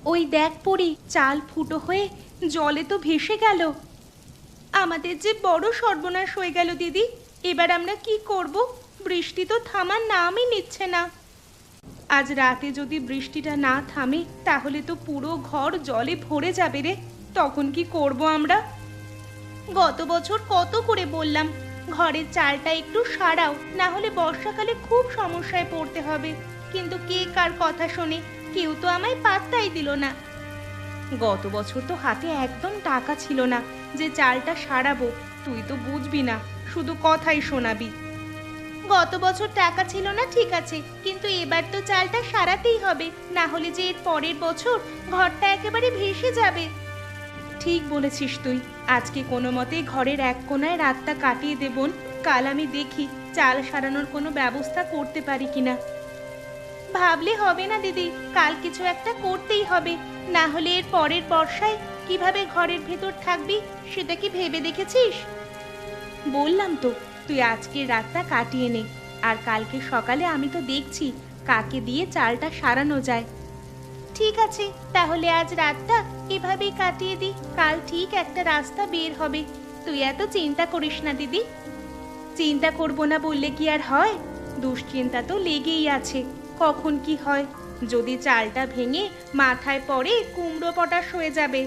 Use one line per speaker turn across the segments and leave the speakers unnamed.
ওই দেখ পড়ি, চাল ফুটো হয়ে জলে তো ভেসে গেল। আমাদের যে বড় সর্বনাশ হয়ে গেল দিদি। এবার আমরা কি করব? বৃষ্টি তো থামার নামই নিচ্ছে না। আজ রাতে যদি বৃষ্টিটা না থামে তাহলে তো পুরো ঘর জলে ভরে যাবে রে। তখন কি করব আমরা? গত বছর কত করে বললাম ঘরের চালটা একটু সারাও, না হলে বর্ষাকালে খুব সমস্যায় পড়তে হবে। কিন্তু কে কার কথা শোনে? কেউ তো আমায় পাত্তাই দিল না। গত বছর তো হাতে একদম টাকা ছিল না যে চালটা সারাবো। তুই তো বুঝবি না, শুধু কথাই শোনাবি। গত বছর টাকা ছিল না ঠিক আছে, কিন্তু এবার তো চালটা সারাতেই হবে, না হলে যে এর পরের বছর ঘরটা একেবারে ভেসে যাবে। ঠিক বলেছিস তুই। আজকে কোনো মতে ঘরের এক কোণায় রাতটা কাটিয়ে দেবন। কাল আমি দেখি চাল সারানোর কোনো ব্যবস্থা করতে পারি কিনা। ভাবলে হবে না দিদি, কাল কিছু একটা করতেই হবে, না হলে এর পরের বর্ষায় কিভাবে ঘরের ভেতর থাকবি সেটা কি ভেবে দেখেছিস? বললাম তো, তুই আজকের রাতটা কাটিয়ে নে, আর কালকে সকালে আমি তো দেখছি কাকে দিয়ে চালটা সারানো যায়। ঠিক আছে, তাহলে আজ রাতটা এভাবেই কাটিয়ে দি, কাল ঠিক একটা রাস্তা বের হবে। তুই এত চিন্তা করিস না দিদি। চিন্তা করব না বললে কি আর হয়? দুশ্চিন্তা তো লেগেই আছে, কখন কি হয়। যদি চালটা ভেঙে মাথায় পড়ে কুমড়ো পটাশ হয়ে যাবে।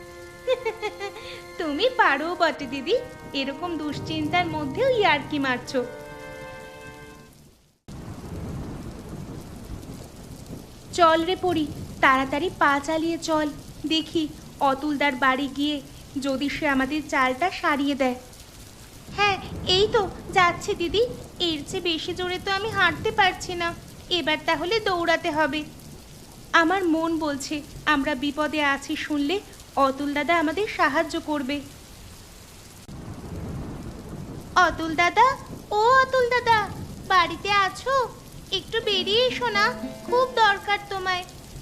তুমি পারো বটে দিদি, এরকম দুশ্চিন্তার মধ্যেও ইয়ার্কি মারছো। চল রে পড়ি, তাড়াতাড়ি পা চালিয়ে চল। দেখি অতুলদার বাড়ি গিয়ে যদি সে আমাদের চালটা সারিয়ে দেয়। হ্যাঁ, এই তো যাচ্ছে দিদি। এর চেয়ে বেশি জোরে তো আমি হাঁটতে পারছি না। এবার তাহলে দৌড়াতে হবে। আমার মন বলছে আমরা বিপদে আছি শুনলে অতুল দাদা আমাদের সাহায্য করবে। অতুল দাদা, ও অতুল দাদা, বাড়িতে আছো? একটু বেরিয়ে এসো না, খুব দরকার তোমায়।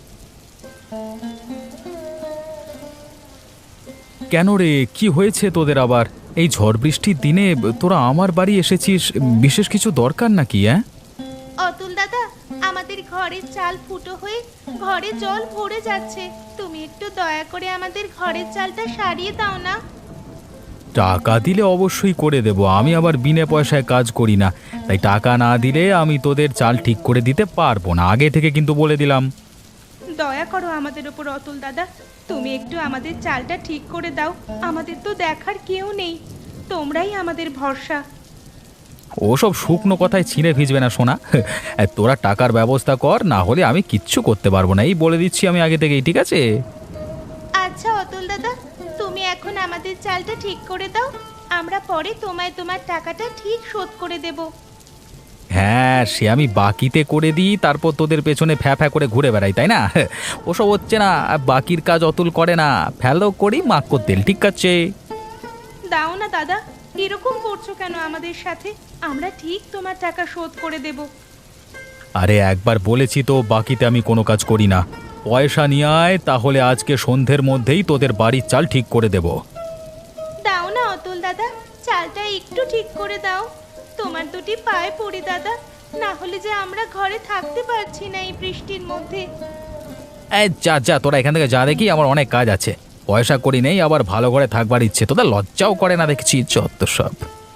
কেন রে, কি হয়েছে তোদের আবার? এই ঝড় বৃষ্টির দিনে তোরা আমার বাড়ি এসেছিস, বিশেষ কিছু দরকার নাকি?
অতুল দাদা, আমাদের ঘরের চাল ফুটো হয়ে ঘরে জল ভরে যাচ্ছে। তুমি একটু দয়া করে আমাদের ঘরের চালটা সারিয়ে দাও না।
টাকা দিলে অবশ্যই করে দেব, আমি আবার বিনা পয়সায় কাজ করি না। তাই টাকা না দিলে আমি তোদের চাল ঠিক করে দিতে পারবো না, আগে থেকে কিন্তু বলে দিলাম।
দয়া করো আমাদের ওপর অতুল দাদা, তুমি একটু আমাদের চালটা ঠিক করে দাও। আমাদের তো দেখার কেউ নেই, তোমরাই আমাদের ভরসা।
ওসব শুকনো কথায় ছিঁড়ে ভিজবে না সোনা। তোরা টাকার ব্যবস্থা কর, না হলে আমি কিচ্ছু করতে পারবো না, এই বলে দিচ্ছি আমি আগে থেকেই, ঠিক আছে?
আচ্ছা অতুল দাদা, তুমি এখন আমাদের চালটা ঠিক করে দাও, আমরা পরে তোমায় তোমার টাকাটা ঠিক শোধ করে দেব।
হ্যাঁ, সে আমি বাকিতে করে দিই, তারপর তোদের পেছনে ফ্যা ফ্যা করে ঘুরে বেড়াই, তাই না? ওসব হচ্ছে না, বাকির কাজ অতুল করে না, ফেলো করি মাক্কর তেল, ঠিক আছে?
দাও না দাদা, এরকম করছো কেন আমাদের সাথে? আমরা ঠিক তোমার টাকা শোধ করে দেব।
আরে একবার বলেছি তো বাকিতে আমি কোনো কাজ করি না। পয়সা নিয়ে আয়, তাহলে আজকে সন্ধ্যের মধ্যেই তোদের বাড়ির চাল ঠিক করে দেব।
দাও না অতুল দাদা, চালটা একটু ঠিক করে দাও। তোমার দুটি পায়ে পড়ি দাদা, না হলে যে আমরা ঘরে থাকতে পারছি না এই বৃষ্টির মধ্যে।
এই যা যা, তোরা এখান থেকে যা, দেখি আমার অনেক কাজ আছে। পয়সা করি নেই, আবার ভালো করে থাকবার ইচ্ছে, তোদের লজ্জাও করে না দেখছি, যত সব।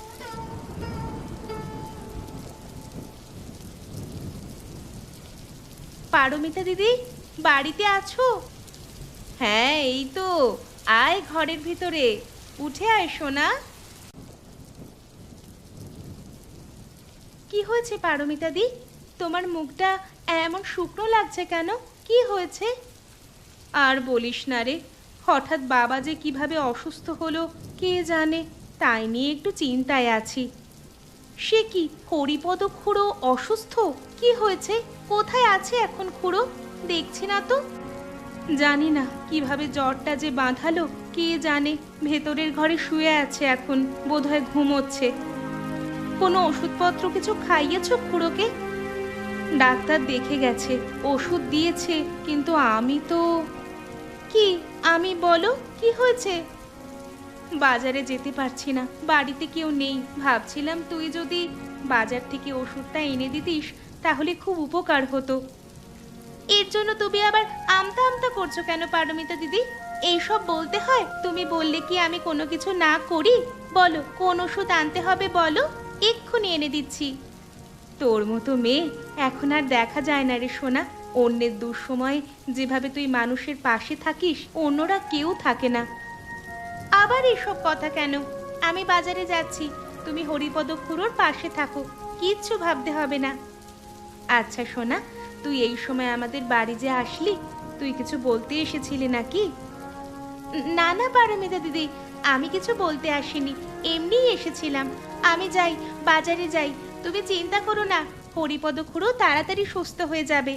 পারমিতা দিদি, বাড়িতে আছো? হ্যাঁ, এই তো, আয় ঘরের ভিতরে, উঠে আয় সোনা। কি হয়েছে পারমিতা দি? তোমার মুখটা এমন শুকনো লাগছে কেন? কি হয়েছে? আর বলিস না রে, হঠাৎ বাবা যে কিভাবে অসুস্থ হলো কে জানে, তাই নিয়ে একটু চিন্তায় আছি। সে কি, হরিপদ খুড়ো অসুস্থ? কি হয়েছে? কোথায় আছে এখন খুড়ো? দেখছি না তো। জানি না কিভাবে জ্বরটা যে বাঁধালো কে জানে, ভেতরের ঘরে শুয়ে আছে এখন, বোধহয় ঘুমোচ্ছে। কোনো ওষুধপত্র কিছু খাইয়েছো খুড়োকে? ডাক্তার দেখে গেছে, ওষুধ দিয়েছে, কিন্তু আমি তো। কি আমি, বলো কি হয়েছে? বাজারে যেতে পারছি না, বাড়িতে কেউ নেই। ভাবছিলাম তুই যদি বাজার থেকে ওষুধটা এনে দিতিস তাহলে খুব উপকার হতো। এর জন্য তুমি আবার আমতা আমতা করছো কেন পারমিতা দিদি? এইসব বলতে হয়? তুমি বললে কি আমি কোনো কিছু না করি? বলো কোন ওষুধ আনতে হবে বলো, এক্ষুনি এনে দিচ্ছি। তোর মতো মেয়ে এখন আর দেখা যায় না রে সোনা। অন্যের দুঃসময়ে যেভাবে তুই মানুষের পাশে থাকিস অন্যরা কেউ থাকে না। আবার এসব কথা কেন? আমি বাজারে যাচ্ছি, তুমি হরিপদ খুড়োর পাশে থাকো, কিচ্ছু ভাবতে হবে না। আচ্ছা সোনা, তুই এই সময় আমাদের বাড়ি যে আসলি, তুই কিছু বলতে এসেছিলি নাকি? না না পারমিতা দিদি, আমি কিছু বলতে আসিনি, এমনিই এসেছিলাম। আমি যাই, বাজারে যাই, তুমি চিন্তা করো না, হরিপদ খুড়ো তাড়াতাড়ি সুস্থ হয়ে যাবে।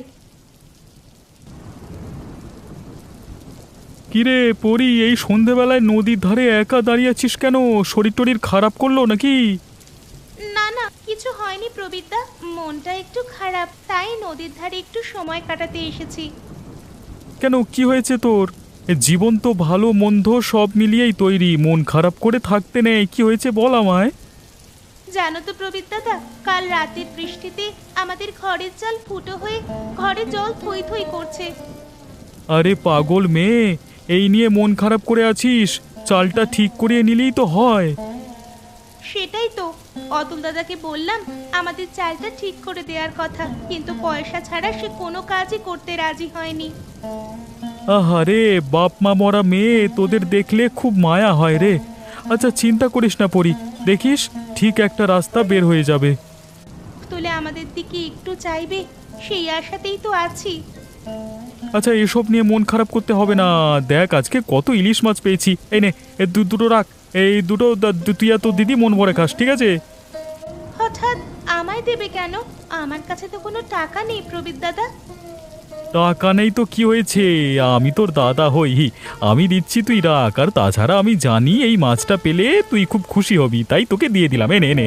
কিরে পরি, এই সন্ধেবেলায় নদীর ধারে একা দাঁড়িয়ে আছিস কেন? শরীর টরীর খারাপ করলো নাকি?
না না, কিছু হয়নি প্রবীরদা, মনটা একটু খারাপ, তাই নদীর ধারে একটু সময় কাটাতে এসেছি।
কেন, কি হয়েছে তোর? এ জীবন তো ভালো মন্দ সব মিলিয়েই তৈরি, মন খারাপ করে থাকতে নেই। কি হয়েছে বল আমায়।
জানো তো প্রবীর দাদা, কাল রাতের বৃষ্টিতে আমাদের ঘরের চাল ফুটো হয়ে ঘরে জল থই থই করছে।
আরে পাগল মেয়ে, এই নিয়ে মন খারাপ করে আছিস? চালটা ঠিক করিয়ে নিলেই তো হয়।
সেটাই তো, অতুল দাদাকে বললাম আমাদের চালটা ঠিক করে দেওয়ার কথা, কিন্তু পয়সা ছাড়া সে কোনো কাজই করতে রাজি হয়নি।
আহারে বাপ মা মরা মেয়ে, তোদের দেখলে খুব মায়া হয় রে। আচ্ছা চিন্তা করিস না পরি, দেখিস ঠিক একটা রাস্তা বের হয়ে যাবে।
তুলে আমাদের দিকে একটু চাইবে, সেই আশাতেই তো আছি।
আচ্ছা এসব নিয়ে মন খারাপ করতে হবে না। দেখ আজকে কত ইলিশ মাছ পেয়েছি, এই নে দুটো রাখ, এই দুটো তুই আর তোর দিদি মন ভরে খাস, ঠিক আছে?
হঠাৎ আমায় দেবে কেন? আমার কাছে তো কোনো টাকা নেই প্রবীর দাদা।
টাকা নেই তো কি হয়েছে, আমি তোর দাদা হই, আমি দিচ্ছি, তুই রাখ। আর তাছাড়া আমি জানি এই মাছটা পেলে তুই খুব খুশি হবি, তাই তোকে দিয়ে দিলাম, এনে এনে।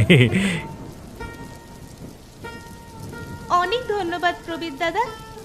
অনেক ধন্যবাদ প্রবীর দাদা।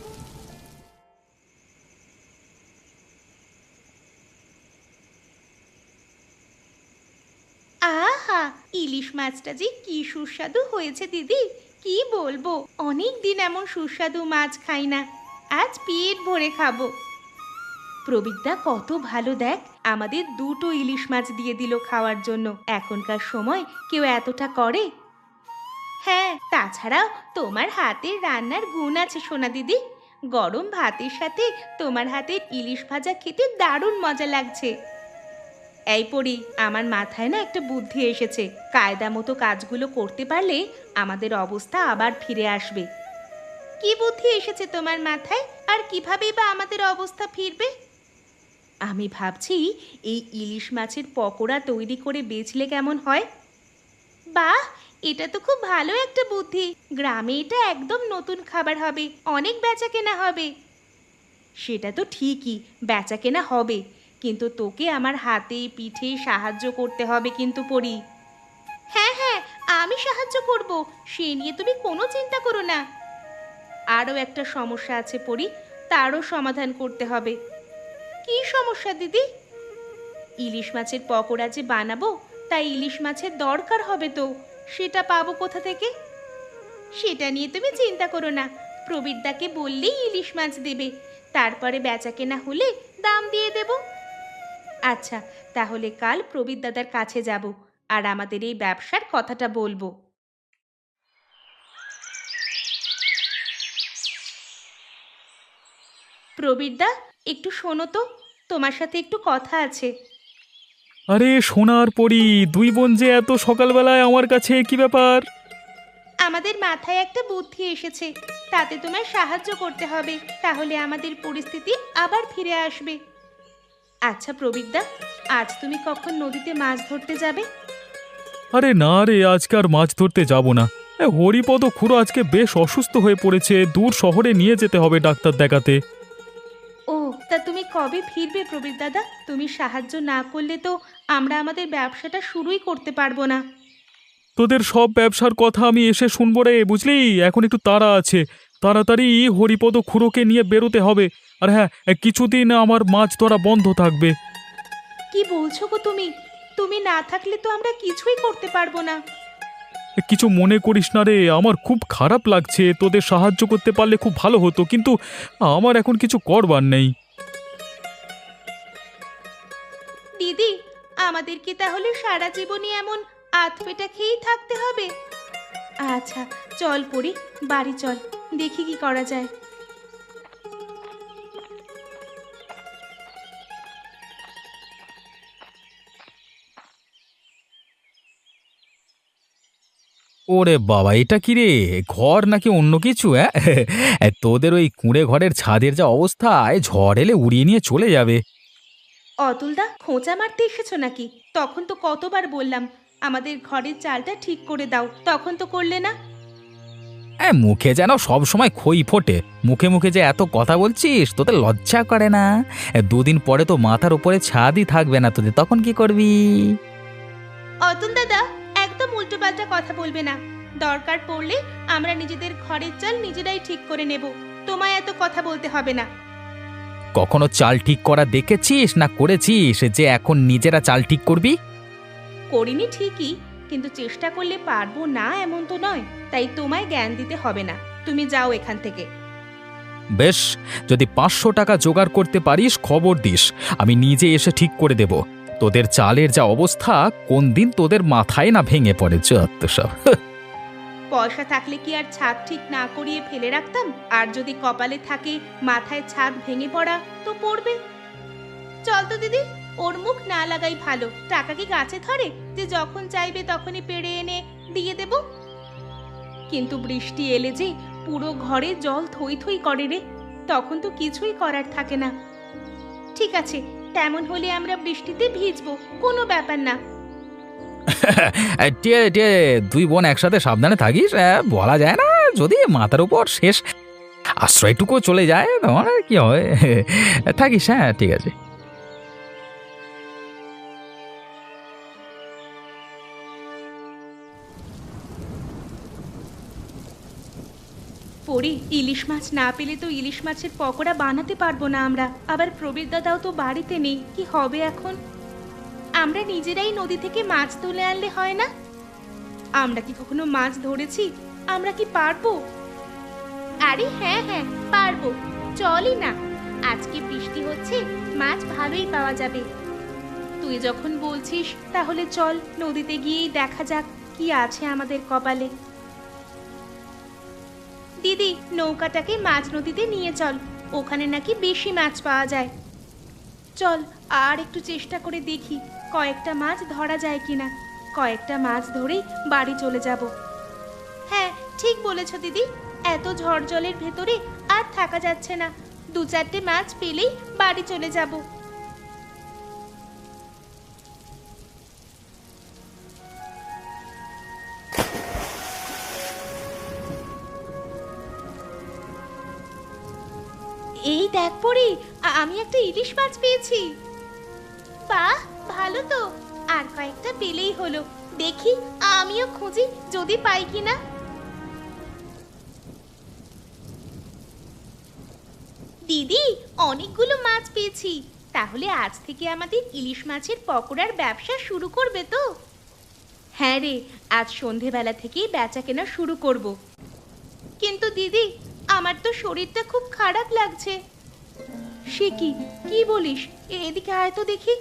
আহা, ইলিশ মাছটা যে কি সুস্বাদু হয়েছে দিদি, কি বলবো। অনেক দিন এমন সুস্বাদু মাছ খাই না, আজ পেট ভরে খাবো। প্রবীরদা কত ভালো, দেখ আমাদের দুটো ইলিশ মাছ দিয়ে দিল খাওয়ার জন্য। এখনকার সময় কেউ এতটা করে? হ্যাঁ, তাছাড়াও তোমার হাতের রান্নার গুণ আছে সোনা দিদি। গরম ভাতের সাথে তোমার হাতের ইলিশ ভাজা খেতে দারুণ মজা লাগছে। এই পড়ি, আমার মাথায় না একটা বুদ্ধি এসেছে। কায়দা মতো কাজগুলো করতে পারলে আমাদের অবস্থা আবার ফিরে আসবে। কি বুদ্ধি এসেছে তোমার মাথায়? আর কিভাবেই বা আমাদের অবস্থা ফিরবে? আমি ভাবছি এই ইলিশ মাছের পকোড়া তৈরি করে বেচলে কেমন হয়? বাহ, এটা তো খুব ভালো একটা বুদ্ধি। গ্রামে এটা একদম নতুন খাবার হবে, অনেক বেচাকেনা হবে। সেটা তো ঠিকই, বেচাকেনা হবে, কিন্তু তোকে আমার হাতে পিঠে সাহায্য করতে হবে কিন্তু পড়ি। হ্যাঁ হ্যাঁ, আমি সাহায্য করব, সে নিয়ে তুমি কোনো চিন্তা করো না। আরও একটা সমস্যা আছে পড়ি, তারও সমাধান করতে হবে। কি সমস্যা দিদি? ইলিশ মাছের পকোড়া যে বানাবো, তাই ইলিশ মাছের দরকার হবে তো, সেটা পাবো কোথা থেকে? সেটা নিয়ে তুমি চিন্তা করো না, প্রবীরদাকে বললেই ইলিশ মাছ দেবে, তারপরে বেচাকেনা হলে দাম দিয়ে দেব। আচ্ছা, তাহলে কাল প্রবীর দাদার কাছে যাব আর আমাদের এই ব্যবসার কথাটা বলবো। প্রবীরদা, একটু শোনো তো, তোমার সাথে একটু কথা আছে।
আরে সোনার পরি, দুই বোন যে এত সকালবেলায় আমার কাছে, কি ব্যাপার?
আমাদের মাথায় একটা বুদ্ধি এসেছে, তাতে তোমার সাহায্য করতে হবে, তাহলে আমাদের পরিস্থিতি আবার ফিরে আসবে। আচ্ছা প্রবীরদা, আজ তুমি কখন নদীতে মাছ ধরতে যাবে?
আরে না রে, আজকে আর মাছ ধরতে যাব না। হরিপদ খুড়ো আজকে বেশ অসুস্থ হয়ে পড়েছে, দূর শহরে নিয়ে যেতে হবে ডাক্তার দেখাতে।
ও, তা তুমি কবে ফিরবে প্রবীর দাদা? তুমি সাহায্য না করলে তো আমরা আমাদের ব্যবসাটা শুরুই করতে পারবো না।
তোদের সব ব্যবসার কথা আমি এসে শুনবো রে, বুঝলি? এখন একটু তাড়া আছে, তাড়াতাড়ি হরিপদ খুড়োকে নিয়ে বেরোতে হবে। আর হ্যাঁ, কিছুদিন আমার মাছ ধরা বন্ধ থাকবে।
কি বলছো গো তুমি? তুমি না থাকলে তো আমরা কিছুই করতে পারবো না।
কিছু মনে করিস না রে, আমার খুব খারাপ লাগছে, তোদের সাহায্য করতে পারলে খুব ভালো হতো, কিন্তু আমার এখন কিছু করবার নেই।
দিদি, আমাদের কি তাহলে সারা জীবনই এমন আধপেটা খেয়েই থাকতে হবে? আচ্ছা, চল পড়ি, বাড়ি চল, দেখি কি করা যায়।
ওরে বাবা, এটা কি রে? ঘর নাকি অন্য কিছু? হ্যাঁ তোদের ওই কুঁড়ে ঘরের ছাদের যা অবস্থায় ঝড় এলে উড়িয়ে নিয়ে চলে যাবে।
অতুলদা, খোঁচা মারতে এসেছো নাকি? তখন তো কতবার বললাম আমাদের ঘরের চালটা ঠিক করে দাও, তখন তো করলে না।
মুখে যেন সব সময় খই ফোটে, মুখে মুখে যে এত কথা বলছিস, তোদের লজ্জা করে না? দুদিন পরে তো মাথার উপরে ছাদই থাকবে না তোদের, তখন কি করবি?
অতুল দাদা, একদম উল্টোপাল্টা কথা বলবে না। দরকার পড়লে আমরা নিজেদের ঘরের চাল নিজেরাই ঠিক করে নেব, তোমায় এত কথা বলতে হবে না।
কখনো চাল ঠিক করা দেখেছিস না করেছিস যে এখন নিজেরা চাল ঠিক করবি?
করিনি ঠিকই, কিন্তু চেষ্টা করলে পারবো না এমন তো নয়, তাই তোমায় জ্ঞান দিতে হবে না। তুমি যাও এখান থেকে।
বেশ, যদি 500 টাকা জোগাড় করতে পারিস খবর দিস, আমি নিজে এসে ঠিক করে দেব। তোদের চালের যা অবস্থা, কোন দিন তোদের মাথায় না ভেঙে পড়ে যত সব।
পয়সা থাকলে কি আর ছাদ ঠিক না করিয়ে ফেলে রাখতাম? আর যদি কপালে থাকে মাথায় ছাদ ভেঙে পড়া, তো পড়বে। চল তো দিদি, ওর মুখ না লাগাই ভালো। টাকা কি গাছে ধরে যে যখন চাইবে তখনই পেড়ে এনে দিয়ে দেব? কিন্তু বৃষ্টি এলে যে পুরো ঘরে জল থই থই করে রে, তখন তো কিছুই করার থাকে না। ঠিক আছে, তেমন হলে আমরা বৃষ্টিতে ভিজবো, কোনো ব্যাপার না।
টিয়ে টিয়ে, দুই বোন একসাথে সাবধানে থাকিস। বলা যায় না, যদি মাথার উপর শেষ আশ্রয়টুকু চলে যায় তখন আর কি হয়। থাকিস, হ্যাঁ ঠিক আছে।
পরি, ইলিশ মাছ না পেলে তো ইলিশ মাছের পকোড়া বানাতে পারবো না আমরা। আবার প্রবীর দাদাও তো বাড়িতে নেই, কি হবে এখন? আমরা নিজেরাই নদী থেকে মাছ তুলে আনলে হয় না? আমরা কি কখনো মাছ ধরেছি? আমরা কি পারবো? আরে হ্যাঁ হ্যাঁ, পারবো। চলই না, আজকে বৃষ্টি হচ্ছে, মাছ ভালোই পাওয়া যাবে। তুই যখন বলছিস তাহলে চল, নদীতে গিয়েই দেখা যাক কি আছে আমাদের কপালে। দিদি, নৌকাটাকে মাছ নদীতে নিয়ে চল, ওখানে নাকি বেশি মাছ পাওয়া যায়। চল, আর একটু চেষ্টা করে দেখি কয়েকটা মাছ ধরা যায় কিনা। কয়েকটা মাছ ধরেই বাড়ি চলে যাব। হ্যাঁ, ঠিক বলেছ দিদি, এত ঝড় জলের ভেতরে আর থাকা যাচ্ছে না। 2-4টে মাছ পেলেই বাড়ি চলে যাব। এই দেখ পরি, আমি একটা ইলিশ মাছ পেয়েছি। বাহ, ভালো তো। আর কয়েকটা পেলেই হলো। দেখি, আমিও খুঁজি যদি পাই কিনা। দিদি, অনেকগুলো মাছ পেয়েছি। তাহলে আজ থেকে আমাদের ইলিশ মাছের পকোড়ার ব্যবসা শুরু করবে তো? হ্যাঁ রে, আজ সন্ধেবেলা থেকেই বেচা কেনা শুরু করব। কিন্তু দিদি, আমার তো শরীরটা খুব খারাপ লাগছে। সে কি, কি বলিস? এদিকে আয় তো দেখি।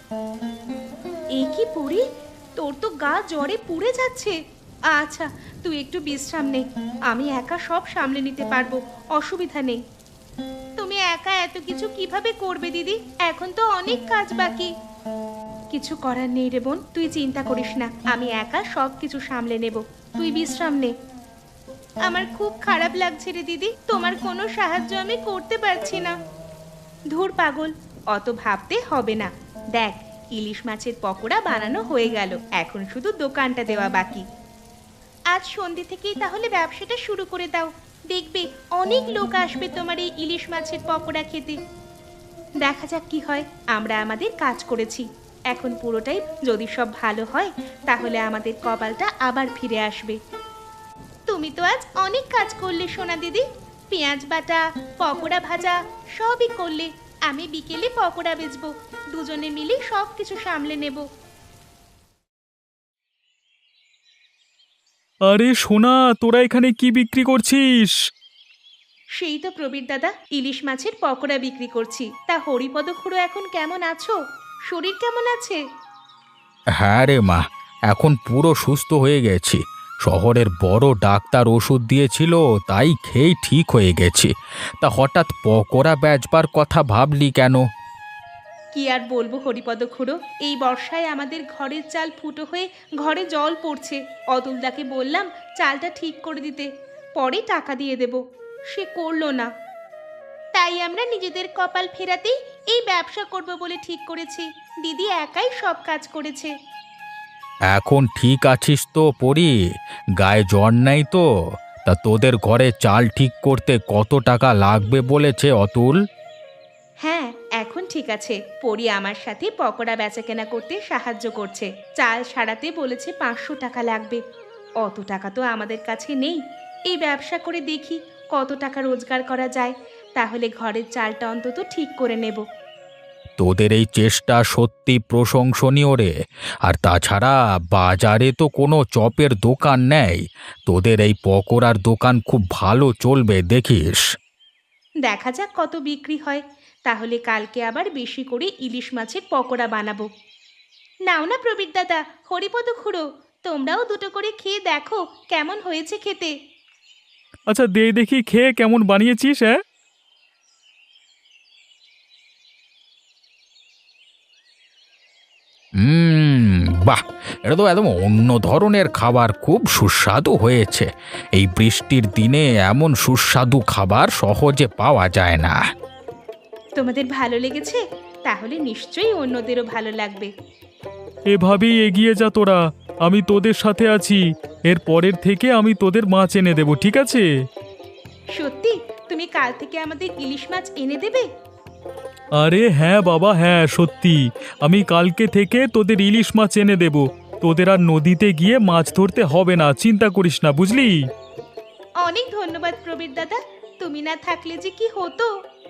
এ কি পড়ি, তোর তো গা জ্বরে পুড়ে যাচ্ছে। আচ্ছা, তুই একটু বিশ্রাম নে, আমি একা সব সামলে নিতে পারবো, অসুবিধা নেই। তুমি একা এত কিছু কিভাবে করবে দিদি? এখন তো অনেক কাজ বাকি। কিছু করার নেই রে বোন, তুই চিন্তা করিস না, আমি একা সব কিছু সামলে নেব। তুই বিশ্রাম নে। আমার খুব খারাপ লাগছে রে দিদি, তোমার কোনো সাহায্য আমি করতে পারছি না। ধুর পাগল, অত ভাবতে হবে না। দেখ, ইলিশ মাছের পকোড়া বানানো হয়ে গেল, এখন শুধু দোকানটা দেওয়া বাকি। আজ সন্ধে থেকেই তাহলে ব্যবসাটা শুরু করে দাও, দেখবে অনেক লোক আসবে তোমার এই ইলিশ মাছের পকোড়া খেতে। দেখা যাক কি হয়। আমরা আমাদের কাজ করেছি, এখন পুরোটাই যদি সব ভালো হয় তাহলে আমাদের কপালটা আবার ফিরে আসবে। তুমি তো আজ অনেক কাজ করলে সোনা দিদি, পেঁয়াজ বাটা, পকোড়া ভাজা সবই করলে। আমি বিকেলে পকোড়া বেচবো, দুজনে মিলে সব কিছু সামলে নেব।
আরে সোনা, তোরা এখানে কি বিক্রি করছিস?
সেই তো প্রবীর দাদা, ইলিশ মাছের পকোড়া বিক্রি করছি। তা হরিপদ খুড়ো এখন কেমন আছো? শরীর কেমন আছে?
হ্যাঁ রে মা, এখন পুরো সুস্থ হয়ে গেছি। শহরের বড় ডাক্তার ওষুধ দিয়েছিল, তাই খেয়ে ঠিক হয়ে গেছি। তা হঠাৎ পকোড়া বেচবার কথা ভাবলি কেন?
কি আর বলবো হরিপদ খুড়ো, এই বর্ষায় আমাদের ঘরের চাল ফুটো হয়ে ঘরে জল পড়ছে। অতুলদাকে বললাম চালটা ঠিক করে দিতে, পরে টাকা দিয়ে দেব। সে করলো না। তাই আমরা নিজেদের কপাল ফেরাতেই এই ব্যবসা করব বলে ঠিক করেছি। দিদি একাই সব কাজ করেছে।
এখন ঠিক আছিস তো পরি? গায়ে জ্বর নেই তো? তা তোদের ঘরে চাল ঠিক করতে কত টাকা লাগবে বলেছে অতুল?
হ্যাঁ, এখন ঠিক আছে। পরি আমার সাথে পকোড়া বেচাকেনা করতে সাহায্য করছে। চাল সারাতে বলেছে 500 টাকা লাগবে। অত টাকা তো আমাদের কাছে নেই। এই ব্যবসা করে দেখি কত টাকা রোজগার করা যায়, তাহলে ঘরের চালটা অন্তত ঠিক করে নেব।
তোদের এই চেষ্টা সত্যি প্রশংসনীয় রে। আর তাছাড়া বাজারে তো কোনো চপের দোকান নেই, তোদের এই পকোড়ার দোকান খুব ভালো চলবে দেখিস।
দেখা যাক কত বিক্রি হয়। তাহলে কালকে আবার বেশি করে ইলিশ মাছের পকোড়া বানাবো। নাও না প্রবীর দাদা, হরিপদ খুড়ো, তোমরাও দুটো করে খেয়ে দেখো কেমন হয়েছে খেতে।
আচ্ছা, দে দেখি খেয়ে কেমন বানিয়েছিস। হ্যাঁ,
বাহ, এটা তো একদম অন্য ধরনের খাবার, খুব সুস্বাদু হয়েছে। এই বৃষ্টির দিনে এমন সুস্বাদু খাবার সহজে পাওয়া যায় না।
তোমাদের ভালো লেগেছে? তাহলে নিশ্চয়ই অন্যদেরও ভালো লাগবে।
এভাবেই এগিয়ে যা তোরা। আমি তোদের সাথে আছি। এর পরের থেকে আমি তোদের মাছ এনে দেবো, ঠিক আছে?
সত্যি তুমি কাল থেকে আমাদের ইলিশ মাছ এনে দেবে?
আরে হ্যাঁ বাবা, হ্যাঁ সত্যি। আমি কালকে থেকে তোদের ইলিশ মাছ এনে দেব। তোদের আর নদীতে গিয়ে মাছ ধরতে হবে না, চিন্তা করিস না, বুঝলি?
অনেক ধন্যবাদ প্রবীর দাদা, তুমি না থাকলে যে কি হতো।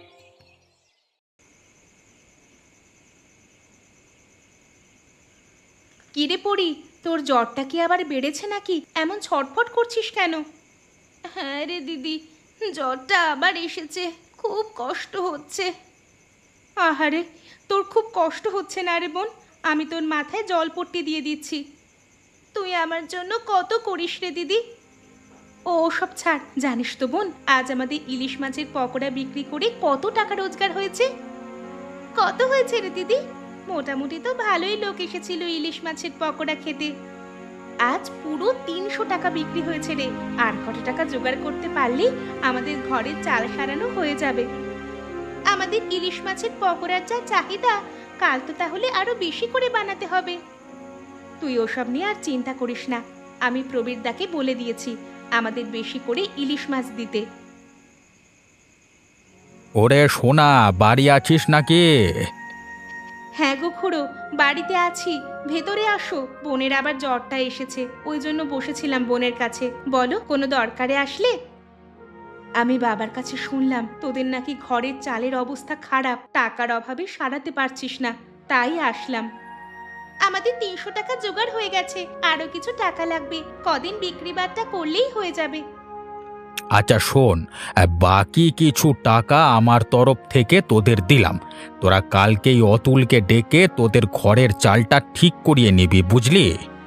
কিরে পড়ি, তোর জ্বরটা কি আবার বেড়েছে নাকি? এমন ছটফট করছিস কেন? হ্যাঁ রে দিদি, জ্বরটা আবার এসেছে, খুব কষ্ট হচ্ছে। আহারে, তোর খুব কষ্ট হচ্ছে না রে বোন? আমি তোর মাথায় জলপট্টি দিয়ে দিচ্ছি। তুই আমার জন্য কত করিস রে দিদি। ও সব ছাড়, জানিস তো বোন, আজ আমাদের ইলিশ মাছের পকোড়া বিক্রি করে কত টাকা রোজগার হয়েছে? কত হয়েছে রে দিদি? মোটামুটি তো ভালোই লোক এসেছিল ইলিশ মাছের পকোড়া খেতে। আজ পুরো 300 টাকা বিক্রি হয়েছে রে। আর কত টাকা জোগাড় করতে পারলেই আমাদের ঘরের চাল সারানো হয়ে যাবে। আমাদের ইলিশ মাছের পকোড়ার যা চাহিদা, কাল তো তাহলে আরো বেশি করে বানাতে হবে। তুই ওসব নিয়ে আর চিন্তা করিস না। আমি প্রবীরদাকে বলে দিয়েছি আমাদের বেশি করে ইলিশ মাছ দিতে।
ওরে সোনা, বাড়ি আছিস নাকি?
হ্যাঁ গো খুড়ো, বাড়িতে আছি। ভেতরে আসো, বোনের আবার জ্বরটা এসেছে, ওই জন্য বসেছিলাম বোনের কাছে। বলো, কোনো দরকারে আসলে? আমি বাবার কাছে শুনলাম তোদের নাকি ঘরের চালের অবস্থা খারাপ, টাকার অভাবে সারাতে পারছিস না, তাই আসলাম। আমাদের 300 টাকা জোগাড় হয়ে গেছে, আরো কিছু টাকা লাগবে। কদিন বিক্রি বাট্টা করলেই হয়ে যাবে।
আচ্ছা শোন, বাকি কিছু টাকা আমার তরফ থেকে তোদের দিলাম। তোরা কালকেই অতুলকে ডেকে তোদের ঘরের চালটা ঠিক করিয়ে নিবি, বুঝলি?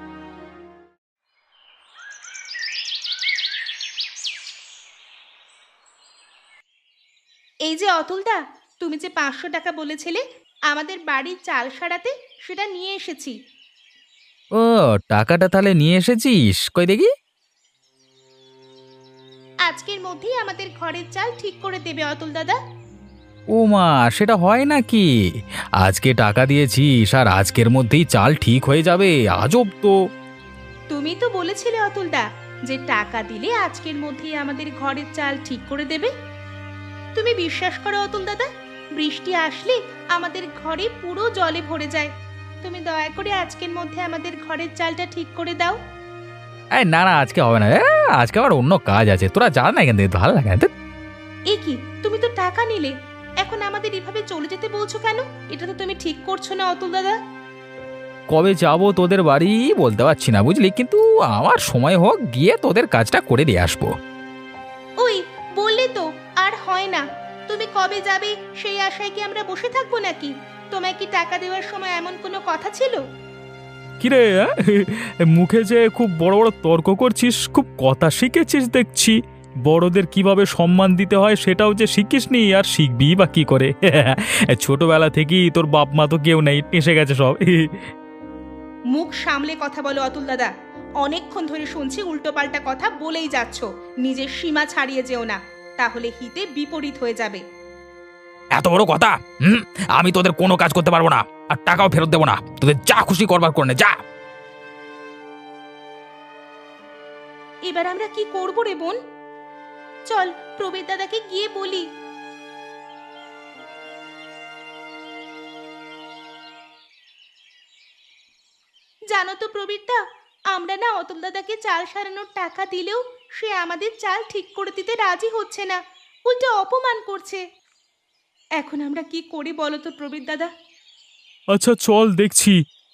এই যে অতুলদা, তুমি যে 500 টাকা বলেছিলে আমাদের বাড়ির চাল সারাতে, সেটা নিয়ে এসেছি।
ও, টাকাটা তাহলে নিয়ে এসেছিস, কই দেখি।
আজকের মধ্যেই আমাদের ঘরের চাল ঠিক করে দেবে অতুল দাদা।
ও মা, সেটা হয় নাকি? আজকে টাকা দিয়েছিস আর আজকের মধ্যেই চাল ঠিক হয়ে যাবে? আজব তো।
তুমি তো বলেছিলে অতুলদা যে টাকা দিলে আজকের মধ্যেই আমাদের ঘরের চাল ঠিক করে দেবে। তুমি বিশ্বাস করো অতুল দাদা, বৃষ্টি আসলে আমাদের ঘরে পুরো জলে ভরে যায়। তুমি দয়া করে আজকের মধ্যে আমাদের ঘরের চালটা ঠিক করে দাও।
এই না না, আজকে হবে না। আজকে আবার অন্য কাজ আছে, তোরা যা না এখান থেকে, ভালো লাগে না।
এ কি, তুমি তো টাকা নিলে, এখন আমাদের এভাবে চলে যেতে বলছো কেন? এটা তো তুমি ঠিক করছো না অতুল দাদা।
কবে যাব তোদের বাড়ি বলতে পারছি না বুঝলি, কিন্তু আমার সময় হোক গিয়ে তোদের কাজটা করে দিয়ে আসবো।
ওই বললে তো আর হয় না। তুমি কবে যাবে সেই আশায় কি আমরা বসে থাকবো নাকি? তোমায় কি টাকা দেওয়ার সময় এমন কোনো কথা ছিল?
কিরে মুখে যে খুব বড় বড় তর্ক করছিস, খুব কথা শিখেছিস দেখছি। বড়দের কিভাবে সম্মান দিতে হয় সেটাও যে শিখিসনি, আর শিখবি বা কি করে? ছোটবেলা থেকেই তোর বাপ মা তো কেউ নেই, এসে গেছে সব।
মুখ সামলে কথা বলো অতুল দাদা। অনেকক্ষণ ধরে শুনছি উল্টোপাল্টা কথা বলেই যাচ্ছ। নিজের সীমা ছাড়িয়ে যেও না, তাহলে হিতে বিপরীত হয়ে যাবে।
এত বড় কথা? আমি তোদের কোনো কাজ করতে পারবো না, আর টাকাও ফেরত দেবো না। তোদের যা খুশি করবার করে নে, যা।
এবার আমরা কি করবো রে বোন? চল প্রবীর দাদাকে গিয়ে বলি। জানো তো প্রবীরদা, আমরা না অতুল দাদাকে চাল সারানোর টাকা দিলেও সে আমাদের চাল ঠিক করে দিতে রাজি হচ্ছে না, উল্টো অপমান করছে। এখন আমরা কি করি বলো তো প্রবীর দাদা?
আচ্ছা চল দেখছি।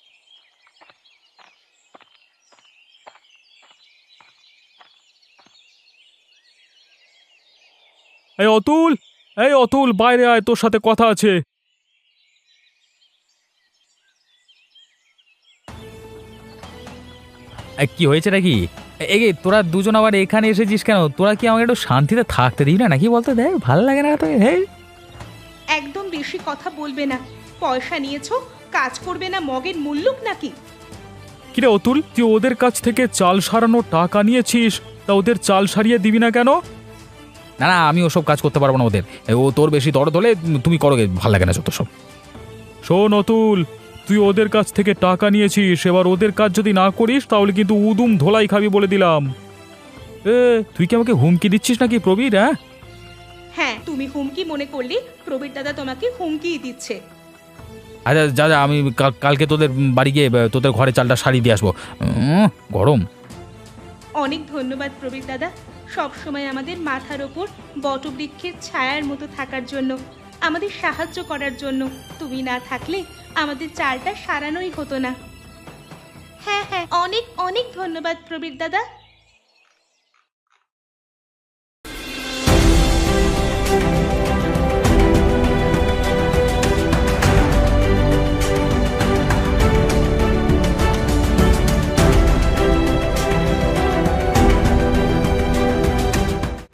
এই অতুল বাইরে আয়, তোর সাথে কথা আছে।
কি হয়েছে নাকি? এই তোরা দুজন আবার এখানে এসেছিস কেন? তোরা কি আমাকে একটু শান্তিতে থাকতে দিই না নাকি বলতো? দেখ ভালো লাগে না তো। হ্যাঁ,
একদম বেশি কথা বলবে না। পয়সা নিয়েছো, কাজ করবে না মগের মুল্লুক নাকি?
কিরে অতুল, তুই ওদের কাছ থেকে চাল সারানোর টাকা নিয়েছিস, তা ওদের চাল সারিয়ে দিবি না কেন?
না না, আমি ওসব কাজ করতে পারবো না ওদের। ও তোর বেশি দরদ হলে তুমি করো, ভালো লাগে না যত সব।
শোন অতুল, তুই ওদের কাছ থেকে টাকা নিয়েছিস, এবার ওদের কাজ যদি না করিস তাহলে কিন্তু উদুম ধোলাই খাবি বলে দিলাম। তুই কি আমাকে হুমকি দিচ্ছিস নাকি প্রবীর?
হ্যাঁ, তুমি হুমকি মনে করলে প্রবীর দাদা তোমাকে হুমকিই দিচ্ছে।
আচ্ছা যা যা, আমি কালকে তোদের বাড়ি গিয়ে তোদের ঘরে চালটা সারিয়ে দিয়ে আসবো। গরম।
অনেক ধন্যবাদ প্রবীর দাদা, সব সময় আমাদের মাথার ওপর বটবৃক্ষের ছায়ার মতো থাকার জন্য, আমাদের সাহায্য করার জন্য। তুমি না থাকলে আমাদের চালটা সারানোই হতো না। হ্যাঁ হ্যাঁ, অনেক অনেক ধন্যবাদ প্রবীর দাদা।